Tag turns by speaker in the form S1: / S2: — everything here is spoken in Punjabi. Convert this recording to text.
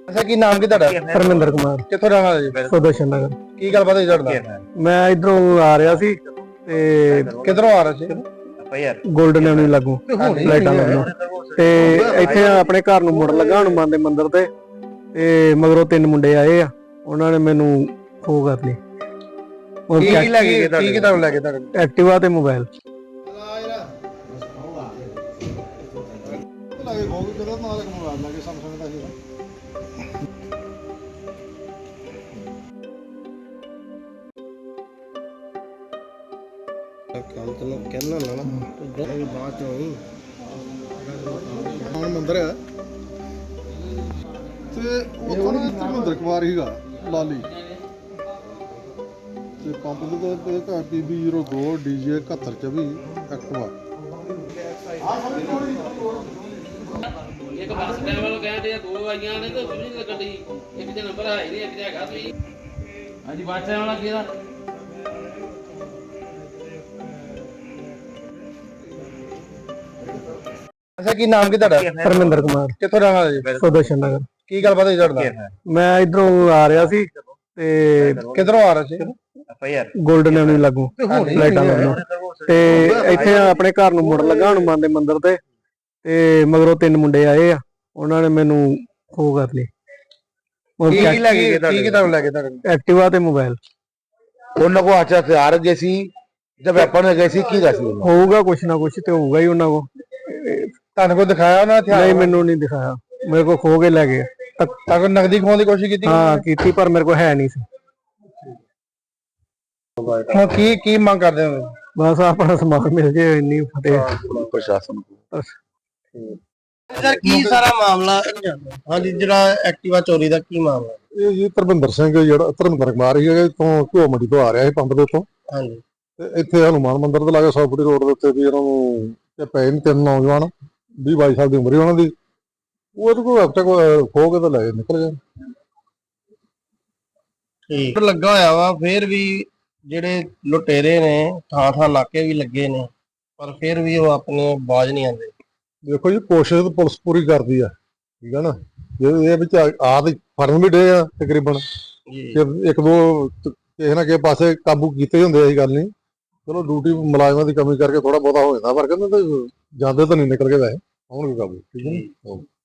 S1: ਅੱਛਾ ਕੀ ਨਾਮ ਕੀ ਤੁਹਾਡਾ?
S2: ਧਰਮਿੰਦਰ ਕੁਮਾਰ,
S1: ਕਿੱਥੋਂ ਰਹਿਣ ਵਾਲੇ ਜੀ?
S2: ਸੁਦਰਸ਼ਨ ਨਗਰ।
S1: ਕੀ ਗੱਲਬਾਤ ਹੋਈ ਤੁਹਾਡਾ?
S2: ਮੈਂ ਇਧਰੋਂ ਆ ਰਿਹਾ ਸੀ ਤੇ
S1: ਕਿੱਧਰੋਂ ਆ ਰਹੇ ਸੀ?
S2: ਗੋਲਡਨ ਐਵਨਿਊ ਲੱਗੂ ਲਾਈਟਾਂ ਲੱਗੂ ਤੇ ਇੱਥੇ ਆਪਣੇ ਘਰ ਨੂੰ ਮੁੜ ਲੱਗਾ ਹਨੂੰਮਾਨ ਦੇ ਮੰਦਿਰ ਤੇ ਮਗਰੋਂ ਤਿੰਨ ਮੁੰਡੇ ਆਏ ਆ, ਉਹਨਾਂ ਨੇ ਮੈਨੂੰ ਖੋ ਕਰ ਲਈ।
S1: ਕੀ ਲੈ ਕੇ ਗਏ? ਕੀ ਤੁਹਾਨੂੰ ਲੈ ਕੇ ਤੁਹਾਡੇ?
S2: ਐਕਟਿਵਾ ਤੇ ਮੋਬਾਈਲ।
S3: ਕੰਮ ਤੈਨੂੰ ਕਹਿਣਾ ਹੁੰਦਾ ਨਾ ਤੂੰ ਬਾਅਦ ਚੋਂ ਹੀ ਮੰਦਰ ਹੈ ਤੇ ਉਹ ਨਾ ਧਰਮਿੰਦਰ ਕੁਮਾਰ ਹੀਗਾ ਲਾਲੀ ਤੇ ਪੰਪ ਦੇ ਤੇ ਘਰ PB02 DJ 7124 ਐਕਟਿਵਾ
S4: ਇੱਕ ਬੱਸ ਸਟੈਂਡ ਵੱਲੋਂ ਕਹਿੰਦੇ ਆ ਦੋ ਆਈਆਂ ਨੇ ਤੇ ਉਹ ਨਹੀਂ ਲੱਗਣ ਦੀ ਇੱਕ ਦੇ ਨੰਬਰ ਹੈ ਨਹੀਂ ਇੱਕ ਦੇ ਹੈਗਾ ਤੁਸੀਂ ਹਾਂਜੀ ਬੱਸ ਸਟੈਂਡ ਵਾਲਾ ਕਿਹਦਾ
S1: ਅੱਛਾ ਕੀ ਨਾਮ ਕੀ ਤੁਹਾਡਾ?
S2: ਧਰਮਿੰਦਰ ਕੁਮਾਰ,
S1: ਕਿੱਥੋਂ ਰਹਿਣ ਵਾਲੇ ਜੀ?
S2: ਸੁਦਰਸ਼ਨ ਨਗਰ।
S1: ਕੀ ਗੱਲਬਾਤ ਹੋਈ ਤੁਹਾਡਾ?
S2: ਮੈਂ ਇਧਰੋਂ ਆ ਰਿਹਾ ਸੀ ਤੇ
S1: ਕਿੱਧਰੋਂ ਆ ਰਹੇ ਸੀ?
S2: ਗੋਲਡਨ ਐਵਨਿਊ ਲੱਗੂ ਲਾਈਟਾਂ ਲੱਗੂ ਤੇ ਇੱਥੇ ਆਪਣੇ ਘਰ ਨੂੰ ਮੁੜ ਲੱਗਾ ਹਨੂੰਮਾਨ ਦੇ ਮੰਦਿਰ ਤੇ ਮਗਰੋਂ ਤਿੰਨ ਮੁੰਡੇ ਆਏ ਆ, ਉਹਨਾਂ ਨੇ ਮੈਨੂੰ ਖੋ ਕਰ ਲਈ।
S1: ਕੀ ਲੈ ਕੇ ਗਏ? ਕੀ ਤੁਹਾਨੂੰ ਲੈ ਕੇ ਤੁਹਾਡੇ?
S2: ਐਕਟਿਵਾ ਤੇ ਮੋਬਾਈਲ।
S1: ਉਹਨਾਂ ਕੋ ਅੱਛਾ ਹਥਿਆਰ ਗਏ ਸੀ ਜਦ ਵੈਪਨ ਗਏ ਸੀ, ਕੀ ਦੱਸ
S2: ਹੋਊਗਾ ਕੁਛ ਨਾ ਕੁਛ ਤੇ ਹੋਊਗਾ ਹੀ ਉਹਨਾਂ ਕੋ।
S1: ਤੁਹਾਨੂੰ ਕੋ ਦਿਖਾਇਆ ਉਹਨਾਂ ਹਥਿਆਰ?
S2: ਨਹੀਂ, ਮੈਨੂੰ ਨਹੀਂ ਦਿਖਾਇਆ, ਮੇਰੇ ਕੋ ਖੋ ਕੇ ਲੈ ਗਏ।
S1: ਤਾਂ ਨਗਦੀ ਖੋਣ ਦੀ ਕੋਸ਼ਿਸ਼ ਕੀਤੀ?
S2: ਹਾਂ ਕੀਤੀ, ਪਰ ਮੇਰੇ ਕੋ ਹੈ ਨਹੀਂ ਸੀ।
S1: ਹੁਣ ਕੀ ਮੰਗ ਕਰਦੇ ਹੋ?
S2: ਬਸ ਆਪਣਾ ਸਮਾਨ ਮਿਲ ਜੇ, ਇੰਨੀ ਫਤਿਹ
S1: ਪ੍ਰਸ਼ਾਸਨ ਕੋ।
S3: ਸਰ ਕੀ ਸਾਰਾ ਮਾਮਲਾ? ਹਾਂਜੀ, ਜਿਹੜਾ ਐਕਟਿਵਾ ਚੋਰੀ ਦਾ ਕੀ ਮਾਮਲਾ?
S5: ਇਹ ਜੀ ਧਰਮਿੰਦਰ ਸਿੰਘ ਜਿਹੜਾ ਧਰਮਿੰਦਰ ਕੁਮਾਰ ਹੀ ਹੈ ਤੋਂ ਘਿਓ ਮੰਡੀ ਤੋਂ ਆ ਰਿਹਾ ਸੀ ਪੰਪ ਦੇ ਉੱਤੋਂ
S3: ਹਾਂਜੀ
S5: ਤੇ ਇੱਥੇ ਹਨੂੰਮਾਨ ਮੰਦਿਰ ਦੇ ਲਾਗੇ 100 ਫੁੱਟੀ ਰੋਡ ਦੇ ਉੱਤੇ ਵੀ ਇਹਨਾਂ ਨੂੰ ਇਹ ਪਏ ਨੇ ਤਿੰਨ ਨੌਜਵਾਨ 20-22 ਸਾਲ ਦੀ ਉਮਰ ਹੀ ਉਹਨਾਂ ਦੀ। ਉਹਦੇ ਕੋਲ ਹਫਤਾ ਖੋ ਕੇ ਤਾਂ ਲੈ ਨਿਕਲ ਗਏ।
S3: ਠੀਕ ਲੱਗਾ ਹੋਇਆ ਵਾ, ਫਿਰ ਵੀ ਜਿਹੜੇ ਲੁਟੇਰੇ ਨੇ ਥਾਂ ਨਾਕੇ ਵੀ ਲੱਗੇ ਨੇ, ਪਰ ਫਿਰ ਵੀ ਉਹ ਆਪਣੇ ਬਾਜ਼ ਨਹੀਂ ਆਉਂਦੇ।
S5: ਦੇਖੋ ਜੀ, ਕੋਸ਼ਿਸ਼ ਤਾਂ ਪੁਲਿਸ ਪੂਰੀ ਕਰਦੀ ਆ, ਠੀਕ ਹੈ ਨਾ। ਜੇ ਇਹ ਵਿੱਚ ਆਦ ਫੜਨ ਵੀ ਡੇ ਆ ਤਕਰੀਬਨ ਇੱਕ ਦੋ ਕਿਸੇ ਨਾ ਕਿਸੇ ਪਾਸੇ ਕਾਬੂ ਕੀਤੇ ਹੁੰਦੇ, ਐਸੀ ਗੱਲ ਨਹੀਂ। ਚਲੋ ਡਿਊਟੀ ਮੁਲਾਜ਼ਮਾਂ ਦੀ ਕਮੀ ਕਰਕੇ ਥੋੜਾ ਬਹੁਤਾ ਹੋ ਜਾਂਦਾ, ਪਰ ਕਹਿੰਦੇ ਜਾਂਦੇ ਤਾਂ ਨਹੀਂ ਨਿਕਲ ਕੇ ਵੈਸੇ ਆਉਣਗੇ ਕਾਬੂ, ਠੀਕ ਹੈ ਨਾ।